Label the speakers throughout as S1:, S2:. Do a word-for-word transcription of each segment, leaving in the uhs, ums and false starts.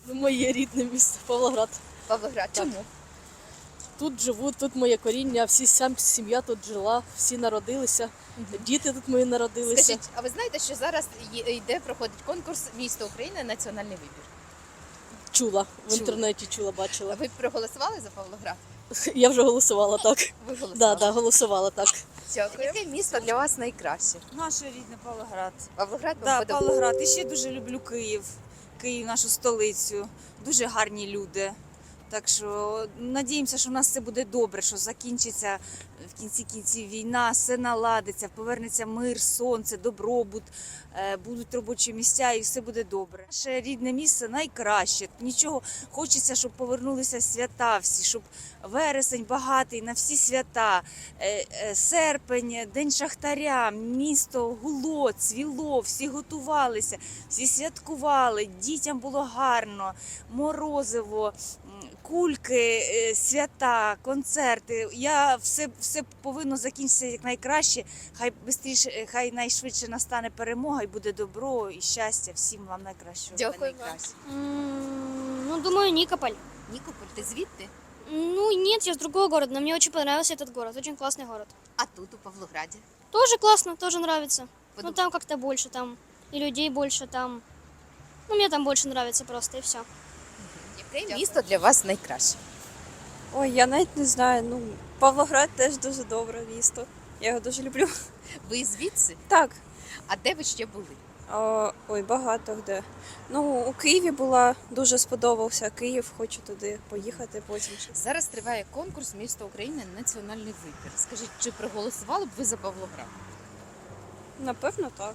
S1: Ну, моє рідне місто Павлоград.
S2: Павлоград. Чому?
S1: Тут живу, тут моє коріння, всі сам сім'я тут жила, всі народилися, діти тут мої народилися.
S2: Скажіть, а ви знаєте, що зараз є- йде, проходить конкурс «Місто України. Національний вибір»?
S1: Чула, в
S2: Чула.
S1: інтернеті чула, бачила.
S2: Ви проголосували за Павлоград?
S1: Я вже голосувала так.
S2: Ви голосували?
S1: Да, да, голосувала так.
S2: Дякую. Яке місто для вас найкраще?
S3: Наше рідне Павлоград.
S2: Павлоград вам
S3: Да,
S2: подобається?
S3: Павлоград. І ще дуже люблю Київ. Київ, нашу столицю. Дуже гарні люди. Так що надіємося, що в нас все буде добре, що закінчиться в кінці кінців війна, все наладиться, повернеться мир, сонце, добробут, е, будуть робочі місця і все буде добре. Наше рідне місце найкраще. Нічого хочеться, щоб повернулися свята всі, щоб вересень багатий на всі свята, е, е, серпень, день шахтаря, місто гуло, цвіло, всі готувалися, всі святкували, дітям було гарно, морозиво, кульки, е, свята, концерти. Я все, все повинно закінчитися якнайкраще. Хай бистріше, хай найшвидше настане перемога і буде добро і щастя. Всім вам найкращого.
S2: Дякую вам.
S3: найкраще.
S4: М, Ну, думаю, Никополь.
S2: Нікополь, ти звідти?
S4: Ну, нет, я с другого города, но мне очень понравился этот город, очень классный город.
S2: А тут, у Павлограді?
S4: Тоже классно, тоже нравится. Но
S2: Подум-
S4: там как-то больше, там и людей больше, там... Ну, мне там больше нравится просто, и все.
S2: Яке місто для вас найкраще?
S5: Ой, я навіть не знаю. Ну, Павлоград теж дуже добре місто. Я його дуже люблю.
S2: Ви звідси?
S5: Так.
S2: А де ви ще були?
S5: О, ой, багато де. Ну, у Києві була, дуже сподобався Київ, хочу туди поїхати потім. ще.
S2: Зараз триває конкурс «Місто України. Національний вибір». Скажіть, чи проголосували б ви за Павлоград?
S5: Напевно, так.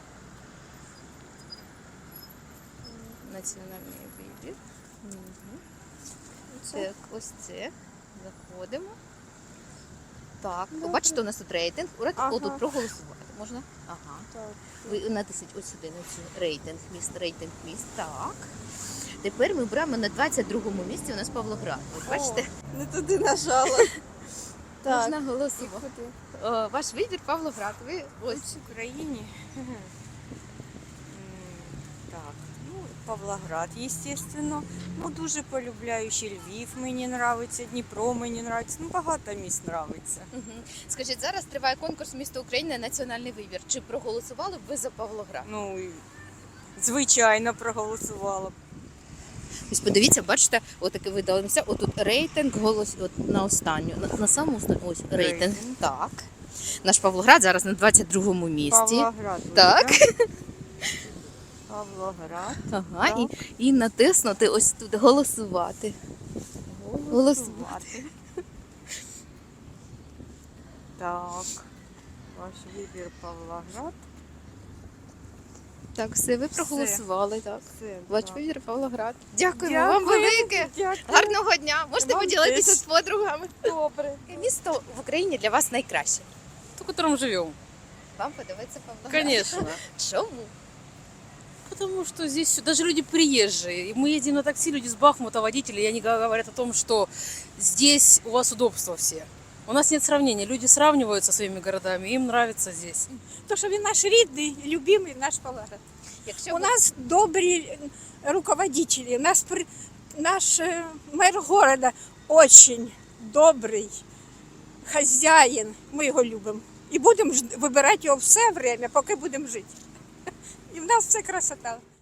S2: Національний вибір. Мгм. Так, ось це. Заходимо. Так,
S5: Добре.
S2: бачите, у нас тут рейтинг. Ура-
S5: Ага.
S2: Отут проголосувати можна? Ага.
S5: Так.
S2: Ви натисніть ось сюди на цю рейтинг міст, рейтинг міст. Так. Тепер ми беремо на двадцять другому місці у нас Павлоград. Ви бачите?
S5: Не туди нажала. Так.
S2: Можна голосувати. О, ваш вибір Павлоград. Ви ось.
S3: В Україні. Так, ну, Павлоград, естественно. Ну, дуже полюбляю ще Львів, мені нравиться, Дніпро мені нравиться. Ну, багато місць нравиться.
S2: Мгм. Скажіть, зараз триває конкурс «Місто України. Національний вибір». Чи проголосували б ви за Павлоград?
S3: Ну, і звичайно, проголосувала б.
S2: Ось подивіться, бачите, отаке видалося. Отут рейтинг, голос от на останню, на, на саму останню, ось рейтинг.
S3: Рейтинг.
S2: Так. Наш Павлоград зараз на двадцять другому місці.
S3: Павлоград.
S2: Так.
S3: вибрав. Павлоград.
S2: Ага, і, і натиснути ось тут голосувати.
S3: Голосувати. Так. Ваш вибір Павлоград.
S2: Так, все, ви
S3: Все.
S2: проголосували, так.
S3: Все.
S2: Ваш
S3: так.
S2: вибір Павлоград. Дякуємо вам
S3: Дякую.
S2: велике.
S3: Дякую.
S2: Гарного дня. Можете
S3: Вам
S2: поділитися
S3: теж.
S2: з подругами.
S3: Добре.
S2: Яке місто в Україні для вас найкраще?
S1: В котором живем.
S2: Вам подобається Павлоград?
S1: Конечно.
S2: Чому?
S1: Потому что здесь даже люди приезжие. И мы едем на такси, люди с Бахмута, водители, и они говорят о том, что здесь у вас удобства все. У нас нет сравнения. Люди сравнивают со своими городами, им нравится здесь.
S6: То, що він наш рідний, любимий наш Павлоград.
S2: Якщо
S6: У
S2: ви-
S6: нас добрі руководителі, у нас при- наш е, мер города очень добрий хазяїн. Ми його любимо. І будемо ж- вибирати його все время, поки будемо жити. І в нас це красота.